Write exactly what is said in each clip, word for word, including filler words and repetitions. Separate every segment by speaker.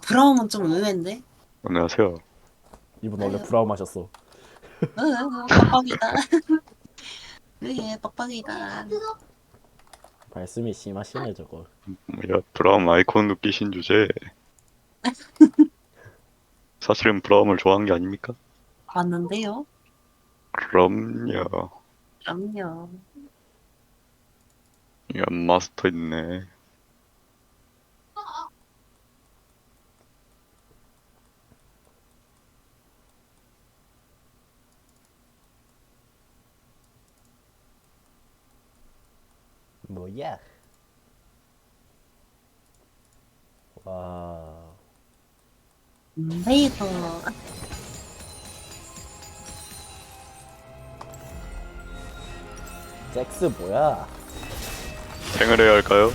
Speaker 1: 브라움은 좀 의외인데?
Speaker 2: 안녕하세요.
Speaker 3: 이분 원래
Speaker 1: 아유,
Speaker 3: 브라움 하셨어.
Speaker 1: 으, 으, 빡빡이다. 으예, 빡빡이다.
Speaker 3: 말씀이 심하시네 저거.
Speaker 2: 뭐야, 브라움 아이콘 느끼신 주제. 사실은 브라움을 좋아한 게 아닙니까?
Speaker 1: 봤는데요?
Speaker 2: 그럼요.
Speaker 1: 그럼요.
Speaker 2: 이 마스터 있네.
Speaker 3: 뭐야? 와.
Speaker 1: 인베이더.
Speaker 3: 잭스 뭐야?
Speaker 2: 탱을 해야 할까요?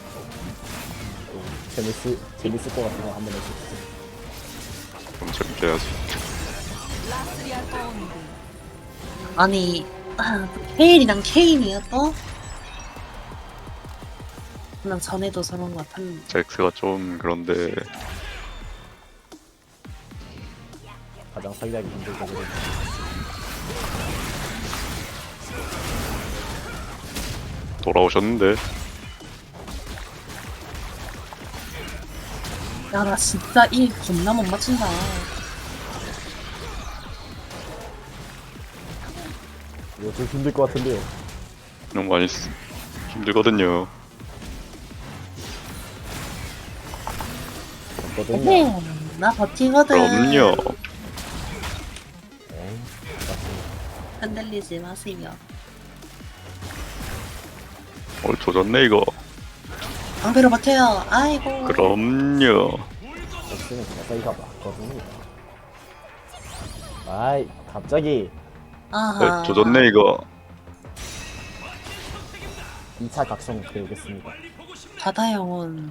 Speaker 3: 재밌을 재밌을 것 같은 거 한번 해주세요.
Speaker 2: 그럼 재밌게 해야지.
Speaker 1: 아니, 아, 케일이랑 케인이야 또? 그냥 전에도 저런 것 같았는데.
Speaker 2: 잭스가 좀 그런데
Speaker 3: 가장 살리하기 힘들 거거든.
Speaker 2: 돌아오셨는데.
Speaker 1: 야, 나 진짜 일 겁나 못 맞춘다.
Speaker 3: 이거 좀 힘들 것 같은데요.
Speaker 2: 너무 많이 쓰... 힘들거든요.
Speaker 3: 없거든요.
Speaker 1: 네, 나 버티거든.
Speaker 2: 그럼요.
Speaker 3: 에이, 맞습니다.
Speaker 1: 흔들리지 마세요.
Speaker 2: 어, 조졌네 이거.
Speaker 1: 방배로 버텨요. 아이고.
Speaker 2: 그럼요.
Speaker 3: 잭스는 자세히가 맞거든요. 아이, 갑자기
Speaker 1: 아하.
Speaker 2: 어, 조졌네 이거.
Speaker 3: 이 차 각성 배우겠습니다.
Speaker 1: 바다 영혼.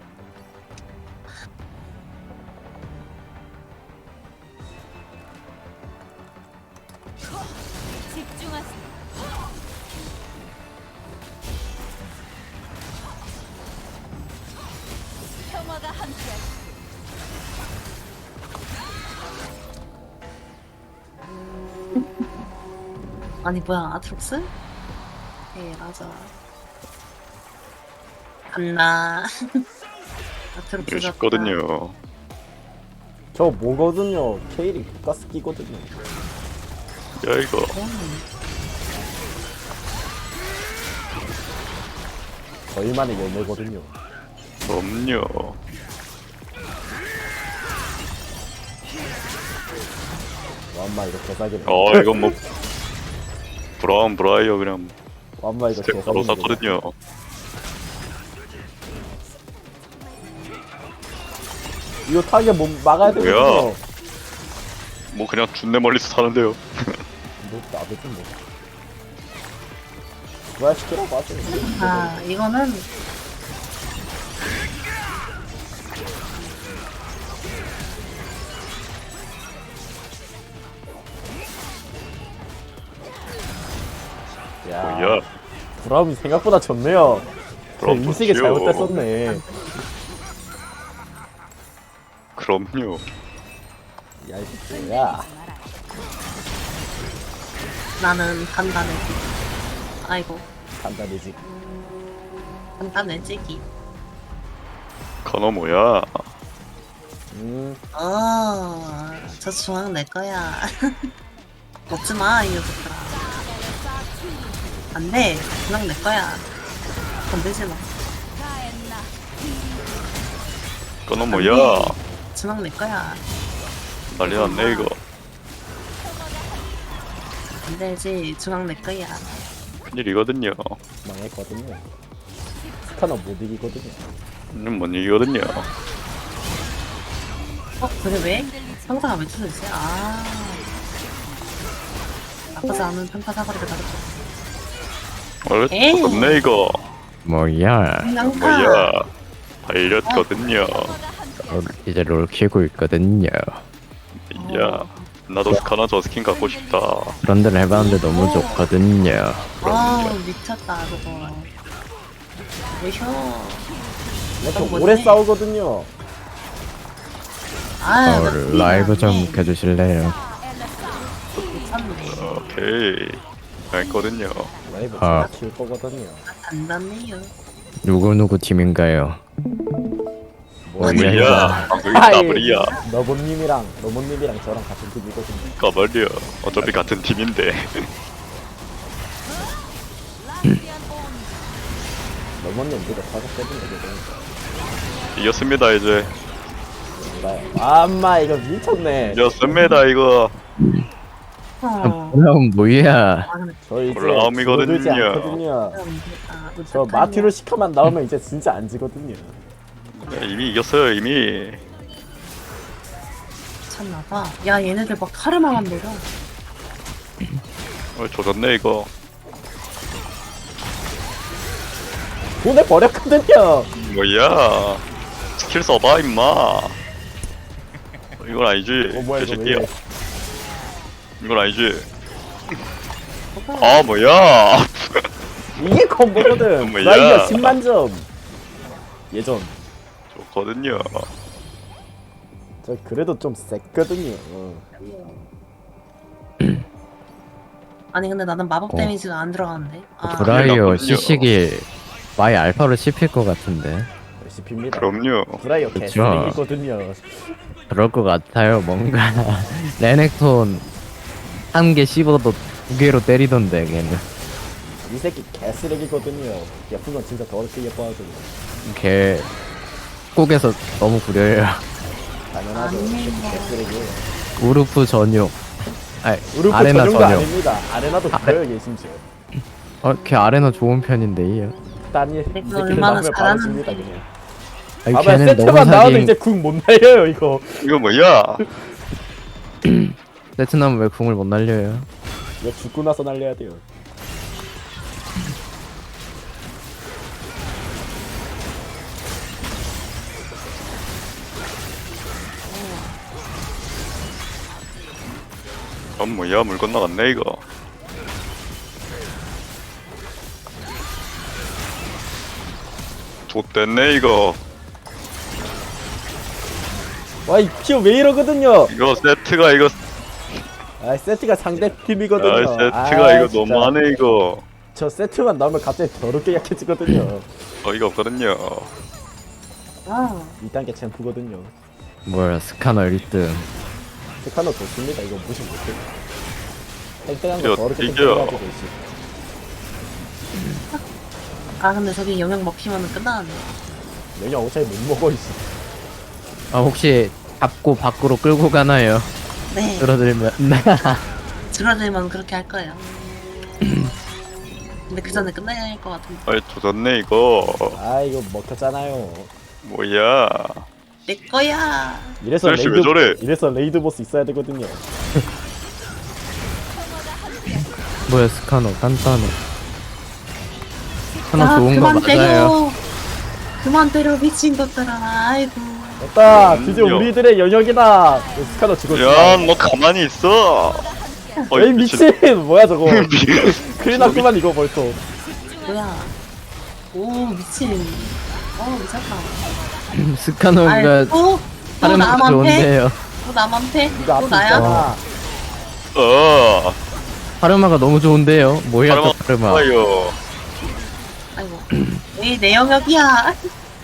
Speaker 4: 집중하세요. 평화가 함께하시.
Speaker 1: 아니 뭐야 아트록스? 네 맞아. 간다. 아트록스
Speaker 2: 이거
Speaker 1: 같다.
Speaker 2: 쉽거든요.
Speaker 3: 저 뭐거든요. 케일이 가스 끼거든요.
Speaker 2: 야 이거.
Speaker 1: 음,
Speaker 3: 저희만의 열매거든요.
Speaker 2: 그럼요.
Speaker 3: 완마 이거 개사기네.
Speaker 2: 어 이건 뭐 브라운 브라이어 그냥
Speaker 3: 완마 이거
Speaker 2: 스텝 바로
Speaker 3: 개사기네.
Speaker 2: 샀거든요.
Speaker 3: 이거 타겟 못 막아야
Speaker 2: 뭐야?
Speaker 3: 되거든요.
Speaker 2: 뭐 그냥 준내 멀리서 사는데요.
Speaker 3: 뭐 나도 좀 뭐. 부활시키라고 하세요.
Speaker 1: 아 이거는
Speaker 3: 야,
Speaker 2: 뭐야?
Speaker 3: 브라움이 생각보다 좋네요. 제
Speaker 2: 브라움
Speaker 3: 인식이
Speaker 2: 좋지요.
Speaker 3: 잘못됐었네.
Speaker 2: 그럼요.
Speaker 3: 야, 이거 뭐야?
Speaker 1: 나는 간단해지. 아이고
Speaker 3: 간단해지.
Speaker 1: 간단해지기.
Speaker 2: 커너 뭐야?
Speaker 3: 음,
Speaker 1: 어저 중앙 내 거야. 먹지 마이 녀석들아. 안돼 중앙 내 거야. 건들지 마.
Speaker 2: 커너 뭐야?
Speaker 1: 중앙 내 거야.
Speaker 2: 난리 났네 이거.
Speaker 1: 안되지 중앙 내 거야.
Speaker 2: 큰일이거든요.
Speaker 3: 망했거든요. 스카너 못 이기거든요.
Speaker 2: 음, 뭔 얘기거든요.
Speaker 1: 어 그래 왜? 상사가 왜 주셨지? 아 나쁘지 않은 평타 사거리를 가졌죠.
Speaker 2: 원래
Speaker 1: 에이.
Speaker 2: 조졌네 이거.
Speaker 5: 뭐야,
Speaker 1: 양파.
Speaker 2: 뭐야? 발렸거든요.
Speaker 5: 롤- 이제 롤 키고 있거든요.
Speaker 2: 야, 나도 스카나 저 스킨 갖고 싶다.
Speaker 5: 런던 해봤는데 너무 좋거든요.
Speaker 1: 아 미쳤다 저거. 왜셔?
Speaker 3: 이렇게
Speaker 1: 너무
Speaker 3: 오래
Speaker 1: 멋지네.
Speaker 3: 싸우거든요.
Speaker 1: 아,
Speaker 5: 어, 라이브 좀 켜주실래요?
Speaker 1: 미쳤네.
Speaker 2: 오케이. 알거든요.
Speaker 3: 라이브
Speaker 5: 아.
Speaker 3: 제가 키울 거거든요.
Speaker 1: 단단해요.
Speaker 5: 누구누구 팀인가요?
Speaker 3: 뭐,
Speaker 5: 어디야,
Speaker 2: 뭐야?
Speaker 5: 이거?
Speaker 2: 방금이
Speaker 3: 아이,
Speaker 2: 더블이야.
Speaker 3: 너본님이랑 너본님이랑 저랑 같은 팀이거든요.
Speaker 2: 까발려. 어차피 같은 팀인데.
Speaker 3: 너본님 누가 사줬거든요. 그거
Speaker 2: 이겼습니다 이제.
Speaker 3: 몰라요. 아, 엄마 이거 미쳤네.
Speaker 2: 이겼습니다 이거.
Speaker 1: 어.
Speaker 5: 그럼 뭐야?
Speaker 1: 아, 근데
Speaker 3: 저 이제
Speaker 2: 올라옴이거든요.
Speaker 3: 줄어들지 않거든요.
Speaker 1: 좀, 아,
Speaker 3: 저 마티로 시카만 나오면 이제 진짜 안 지거든요.
Speaker 2: 네, 이미 이겼어요 이미.
Speaker 1: 미쳤나봐. 야, 얘네들 막 카르마만 노려.
Speaker 2: 어, 조졌네 이거.
Speaker 3: 보내버렸거든요.
Speaker 2: 뭐야? 스킬 써봐 임마. 어, 이건 아니지.
Speaker 3: 어 뭐야 이거 왜
Speaker 2: 개새끼야.
Speaker 3: 이래.
Speaker 2: 이건 아니지. 아 뭐야?
Speaker 3: 이게 콤보거든.
Speaker 2: 뭐야.
Speaker 3: 브라이어 십만 점. 예전.
Speaker 2: 좋거든요.
Speaker 3: 저 그래도 좀 셌거든요. 어.
Speaker 1: 아니, 근데 나는 마법
Speaker 5: 어.
Speaker 1: 데미지가 안 들어가는데. 아,
Speaker 5: 브라이어
Speaker 2: 그러니까
Speaker 5: 시식이 마이 알파로 씹힐 것 같은데.
Speaker 3: 씹힙니다.
Speaker 2: 그럼요.
Speaker 3: 브라이어
Speaker 5: 그쵸.
Speaker 3: 개쓰레기거든요.
Speaker 5: 그럴 것 같아요. 뭔가 레넥톤 한 개 씹어도 두 개로 때리던데 걔는.
Speaker 3: 이 새끼 개쓰레기거든요. 예쁜 건 진짜 더럽게 예뻐가지고.
Speaker 5: 걔 꼭에서 너무 구려요.
Speaker 3: 당연하죠. 이 새끼 개쓰레기예요.
Speaker 5: 우르프 전용. 아니
Speaker 3: 우르프
Speaker 5: 아레나
Speaker 3: 전용도
Speaker 5: 전용.
Speaker 3: 아닙니다. 아레나도 그래요 얘 심지어.
Speaker 5: 어, 걔 아레나 좋은 편인데요.
Speaker 3: 딴이 이
Speaker 1: 근데
Speaker 3: 새끼들
Speaker 1: 얼마나
Speaker 3: 나오면 바로
Speaker 1: 잘하는지.
Speaker 3: 집니다 그냥.
Speaker 5: 아니
Speaker 3: 아마
Speaker 5: 걔는 너무
Speaker 3: 세트만 나와도
Speaker 5: 사기.
Speaker 3: 이제 궁 못 날려요 이거.
Speaker 2: 이거 뭐야?
Speaker 5: 세트나면 왜 궁을 못 날려요?
Speaker 3: 이거 죽고 나서 날려야 돼요.
Speaker 2: 어 뭐야? 물 건너갔네 이거. 좆됐네 이거.
Speaker 3: 와이 피어 왜 이러거든요.
Speaker 2: 이거 세트가 이거.
Speaker 3: 아 세트가 상대
Speaker 2: 아
Speaker 3: 팀이거든요.
Speaker 2: 세트가
Speaker 3: 아,
Speaker 2: 이거
Speaker 3: 진짜.
Speaker 2: 너무하네 이거.
Speaker 3: 저 세트만 나오면 갑자기 더럽게 약해지거든요.
Speaker 2: 어이가 없거든요.
Speaker 1: 아,
Speaker 3: 이 단계 챔프거든요.
Speaker 5: 뭐야 스카너 일 등.
Speaker 3: 스카너 좋습니다. 이거 무시 못해. 땡땡한
Speaker 2: 이거
Speaker 3: 거 더럽게
Speaker 2: 이겨요.
Speaker 3: 땡땡해가지고 씨.
Speaker 1: 아, 근데 저기 영역 먹히면은 끝나네.
Speaker 3: 영양 어차피 못 먹어 이씨.
Speaker 5: 아 혹시 잡고 밖으로 끌고 가나요?
Speaker 1: 네.
Speaker 5: 끌어들면.
Speaker 1: 줄어들면 그렇게 할 거예요. 근데 그 전에 끝나야 할 것 같은데.
Speaker 2: 아이 조졌네 이거.
Speaker 3: 아 이거 먹혔잖아요.
Speaker 2: 뭐야?
Speaker 1: 내 거야.
Speaker 3: 이래서
Speaker 2: 날씨
Speaker 3: 레이드
Speaker 2: 왜 저래?
Speaker 3: 이래서 레이드 보스 있어야 되거든요.
Speaker 5: 뭐야 스카너 간단해. 스카너
Speaker 1: 야,
Speaker 5: 좋은 거
Speaker 1: 그만
Speaker 5: 맞아요.
Speaker 1: 때려. 그만 때려, 미친 것들아. 아이고.
Speaker 3: 됐다. 드디어
Speaker 2: 음,
Speaker 3: 우리들의 영역이다. 스카너 죽었어.
Speaker 2: 야, 너 가만히 있어.
Speaker 3: 에이 미친. 뭐야 저거.
Speaker 2: 미친.
Speaker 3: 큰일 났구만 이거 벌써.
Speaker 1: 뭐야. 오, 미친. 어, 미쳤다.
Speaker 5: 스카너가
Speaker 1: 아이, 또? 또
Speaker 5: 다른 거
Speaker 1: 나만 패?
Speaker 5: 좋은데요.
Speaker 1: 또 나만 패?
Speaker 3: 이거
Speaker 1: 또
Speaker 3: 앞에
Speaker 1: 나야?
Speaker 3: 있잖아.
Speaker 2: 어.
Speaker 5: 파르마가 너무 좋은데요. 뭐야 저 파르마.
Speaker 2: 좋아요.
Speaker 1: 아이고. 에이, 내 영역이야.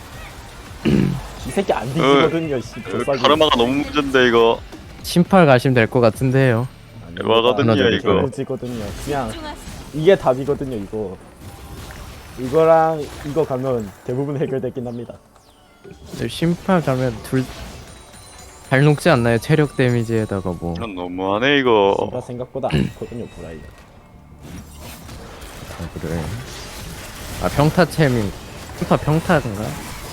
Speaker 3: 이 새끼 안 뒤지거든요. 씨. 조싸기.
Speaker 2: 카르마가 너무 문제인데 이거.
Speaker 5: 심팔 가시면 될 것 같은데요.
Speaker 2: 대박하거든요
Speaker 5: 하나
Speaker 2: 이거.
Speaker 3: 무지거든요. 그냥
Speaker 4: 집중하세요.
Speaker 3: 이게 답이거든요 이거. 이거랑 이거 가면 대부분 해결되긴 합니다.
Speaker 5: 심팔 가면 둘 잘 녹지 않나요? 체력 데미지에다가 뭐.
Speaker 2: 이건 너무하네 이거.
Speaker 3: 제가 생각보다 안 좋거든요 브라이어.
Speaker 5: 아, 그래. 아 평타 챔이 평타 평타인가?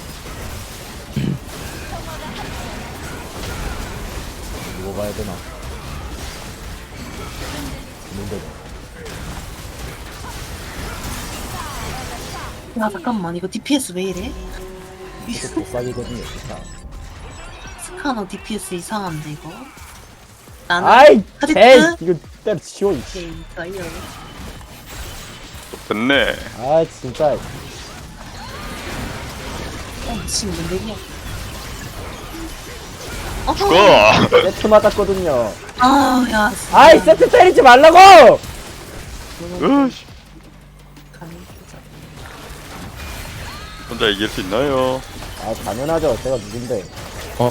Speaker 3: 이거 봐야 되나? 문제다.
Speaker 1: 야, 잠깐만. 이거 디피에스 왜 이래?
Speaker 3: 이거 조싸기거든요 진짜.
Speaker 1: 스카너 디피에스 이상한데, 이거? 나는
Speaker 3: 아이
Speaker 1: 카디트?
Speaker 3: 개 이거 때려 치워 이씨.
Speaker 1: 오케이, 좋아요.
Speaker 2: 됐네.
Speaker 3: 아 진짜.
Speaker 1: 어, 미친, 뭔 얘기야. 어,
Speaker 2: 죽어!
Speaker 3: 세트 맞았거든요.
Speaker 1: 아, 야. 진짜.
Speaker 3: 아이 세트 때리지 말라고!
Speaker 2: 으씨,
Speaker 1: 감이 진짜.
Speaker 2: 혼자 이길 수 있나요?
Speaker 3: 아 당연하죠. 제가 누군데.
Speaker 5: 어?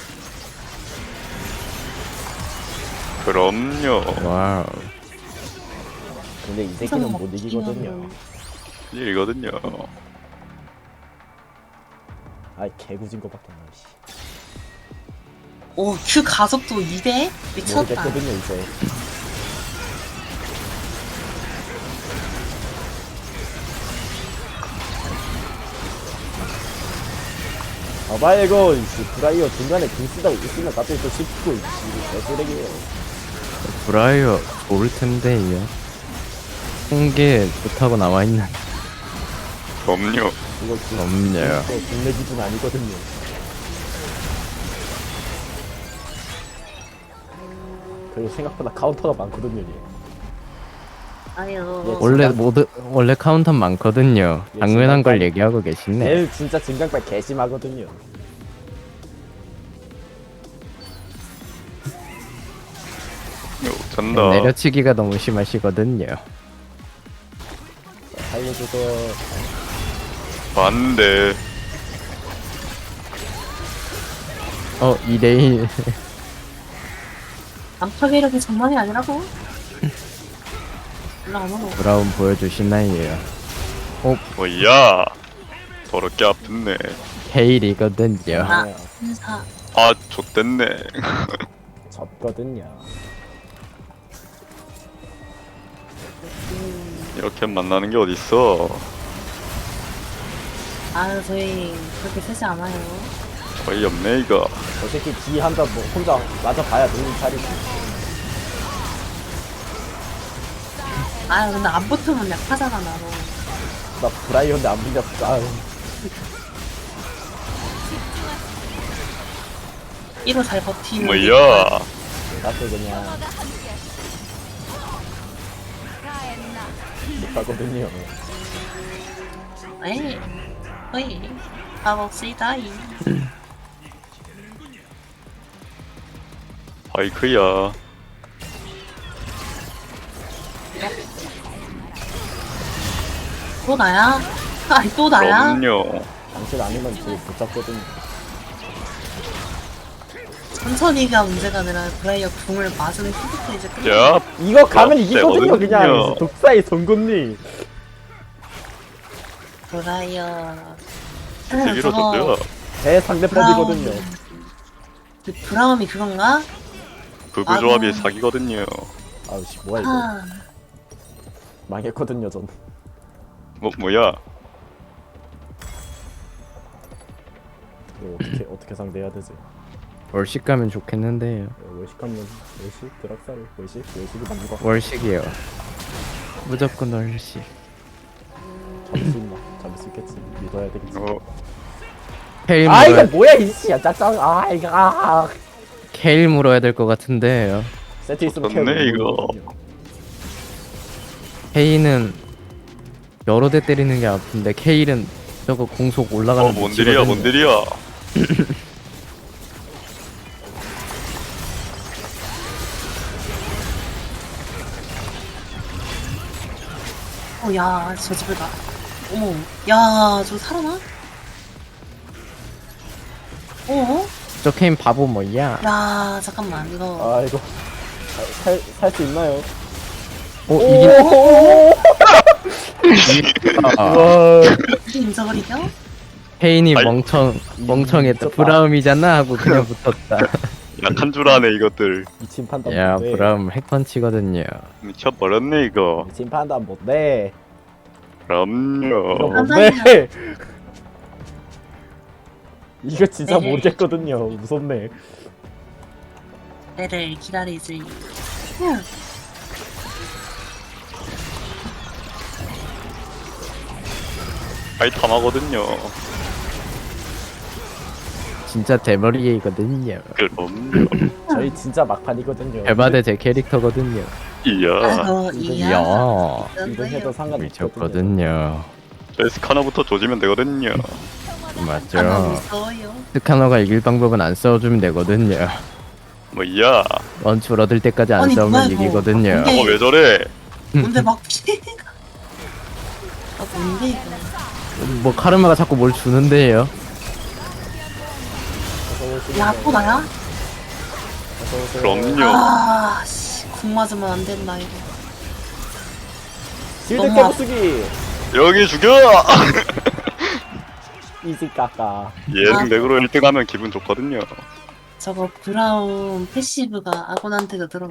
Speaker 2: 그럼요.
Speaker 5: 와우.
Speaker 3: 근데 이 새끼는 못 이기거든요.
Speaker 2: 일이거든요.
Speaker 3: 아이 개구진 거밖에 안 나. 씨.
Speaker 1: 오, 그 가속도 이 대? 미쳤다.
Speaker 3: 모르겠거든요 이제. 아봐 이거 이씨 브라이어 중간에 궁 쓰다가 있으면 갑자기 또 씹고 이씨 개쓰레기예요.
Speaker 5: 브라이어 좋을 텐데요. 홍게 좋다고 남아있는.
Speaker 2: 그럼요.
Speaker 3: 이거 구-
Speaker 5: 없네요.
Speaker 3: 이거 국내 기준 아니거든요. 그리고 생각보다 카운터가 많거든요. 얘.
Speaker 1: 아유.
Speaker 5: 원래 모두 원래 카운터 많거든요.
Speaker 3: 예,
Speaker 5: 당연한 걸
Speaker 3: 진짜.
Speaker 5: 얘기하고 계시네.
Speaker 3: 쟤 진짜 진강발 개심하거든요.
Speaker 2: 잔다.
Speaker 5: 내려치기가 너무 심하시거든요.
Speaker 3: 살려줘서
Speaker 2: 반대.
Speaker 5: 어, 이 대일.
Speaker 1: 남파 괴력이 장난이 아니라고? 올라가면
Speaker 5: 브라운 보여주시나요?
Speaker 2: 뭐야. 더럽게 아픈네.
Speaker 5: 헤일이거든요.
Speaker 1: 아,
Speaker 3: 네,
Speaker 1: 인사.
Speaker 2: 아, 좆됐네.
Speaker 3: 졌거든요.
Speaker 2: 이렇게 만나는 게 어딨어.
Speaker 1: 아유, 저희 그렇게 세지 않아요.
Speaker 2: 거의 없네, 이거.
Speaker 3: 저 새끼 지 한다 뭐 혼자 맞아봐야 정신 차리지.
Speaker 1: 아유, 근데 안 붙으면 약하잖아, 나도.
Speaker 3: 나 브라이언데 안 밀렸어. 아유.
Speaker 1: 이로 잘 버티는.
Speaker 2: 뭐야.
Speaker 3: 나도 그냥
Speaker 4: 평화가 함께하시오. 가엔나.
Speaker 3: 못하거든요.
Speaker 1: 에이, 어이, 가봅시다, 이.
Speaker 2: 바이크야.
Speaker 1: 또 나야? 아이, 또 나야?
Speaker 2: 그럼요.
Speaker 3: 당신 아니면 되게 못 잡거든요.
Speaker 1: 천천히가 문제가 아니라 브라이어 궁을 맞으면 hit부터 이제 끝나.
Speaker 2: 야,
Speaker 3: 이거 가면
Speaker 2: 어,
Speaker 3: 이기거든요. 그냥
Speaker 2: 세거든요.
Speaker 3: 독사의 송곳니.
Speaker 1: 브라이어.
Speaker 2: 되기로
Speaker 1: 저거
Speaker 2: 졌대요.
Speaker 3: 제 상대법이거든요.
Speaker 1: 그 브라움이 그건가?
Speaker 2: 부부 조합이
Speaker 1: 아이고.
Speaker 2: 사기거든요.
Speaker 3: 아우씨 뭐야 이거.
Speaker 1: 아,
Speaker 3: 망했거든요 전.
Speaker 2: 뭐, 뭐야.
Speaker 3: 이거 어떻게 어떻게 상대해야 되지?
Speaker 5: 월식 가면 좋겠는데요.
Speaker 3: 월식하면 월식 드락사를 월식 월식이 맞는 거.
Speaker 5: 월식이요. 무조건 월식.
Speaker 3: 잡을 수 있나? 잡을 수 있겠지. 믿어야 되겠지.
Speaker 2: 어,
Speaker 5: 케일
Speaker 3: 아 이거
Speaker 5: 물어야,
Speaker 3: 뭐야 이씨야 짜증. 아 이거 아.
Speaker 5: 케일 물어야 될 것 같은데요.
Speaker 3: 세트 있으면
Speaker 2: 좋네,
Speaker 3: 케어
Speaker 2: 이거.
Speaker 3: 모르거든요.
Speaker 5: 케일은 여러 대 때리는 게 아픈데 케일은 저거 공속 올라가는
Speaker 2: 어, 뭔들이야, 뭔들이야.
Speaker 1: 어, 야, 저 집을 가. 어머, 야, 저 살아나? 어?
Speaker 5: 저 케인 바보 뭐야?
Speaker 1: 야, 잠깐만, 이거.
Speaker 3: 아 이거 살살 수 있나요?
Speaker 5: 어,
Speaker 3: 오!
Speaker 5: 이긴 아,
Speaker 3: 와.
Speaker 1: 이렇게 인정거리죠?
Speaker 5: 케인이
Speaker 2: 아이,
Speaker 5: 멍청 멍청했다.
Speaker 3: 미쳤다.
Speaker 5: 브라움이잖아 하고 그냥 붙었다.
Speaker 2: 약한 줄 아네, 이것들.
Speaker 3: 미친 판단
Speaker 5: 야,
Speaker 3: 못해.
Speaker 5: 브라움 핵펀치거든요.
Speaker 2: 미쳐버렸네, 이거.
Speaker 3: 미친 판단 못해. 이거
Speaker 2: 그럼요.
Speaker 3: 못해. 이거 진짜
Speaker 1: 네.
Speaker 3: 모르겠거든요. 무섭네.
Speaker 1: 때를 기다리지. 응.
Speaker 2: 아이탐하거든요.
Speaker 5: 진짜 대머리이거든요.
Speaker 2: 그럼요.
Speaker 3: 저희 진짜 막판이거든요.
Speaker 5: 대바대 제 캐릭터거든요.
Speaker 2: 이야.
Speaker 1: 아이고, 이야.
Speaker 5: 이야,
Speaker 3: 이건 해도 상관없거든요.
Speaker 5: 미쳤거든요.
Speaker 2: 베스카나부터 조지면 되거든요.
Speaker 4: 평화가
Speaker 1: 안
Speaker 5: 맞죠.
Speaker 1: 무서워요.
Speaker 5: 스카너가 이길 방법은 안 싸워주면 되거든요.
Speaker 2: 뭐야?
Speaker 5: 원출 얻을 때까지 안
Speaker 1: 아니,
Speaker 5: 싸우면
Speaker 1: 뭐야, 이거.
Speaker 5: 이기거든요.
Speaker 1: 근데-
Speaker 2: 어 왜 저래?
Speaker 1: 뭔데 막 피가. 아 뭔데 이거.
Speaker 5: 뭐 카르마가 자꾸 뭘 주는데요.
Speaker 3: 어서오세요.
Speaker 1: 야 또 나야?
Speaker 3: 어서오세요.
Speaker 2: 그럼요.
Speaker 1: 아씨 궁 맞으면 안 된다 이거.
Speaker 3: 실드
Speaker 1: 너무
Speaker 3: 깨부수기.
Speaker 2: 여기 죽여!
Speaker 3: 이지 까까.
Speaker 2: 예능 덱으로 일 등 하면 기분 좋거든요.
Speaker 1: 저거 브라운 패시브가 아곤한테도 들어.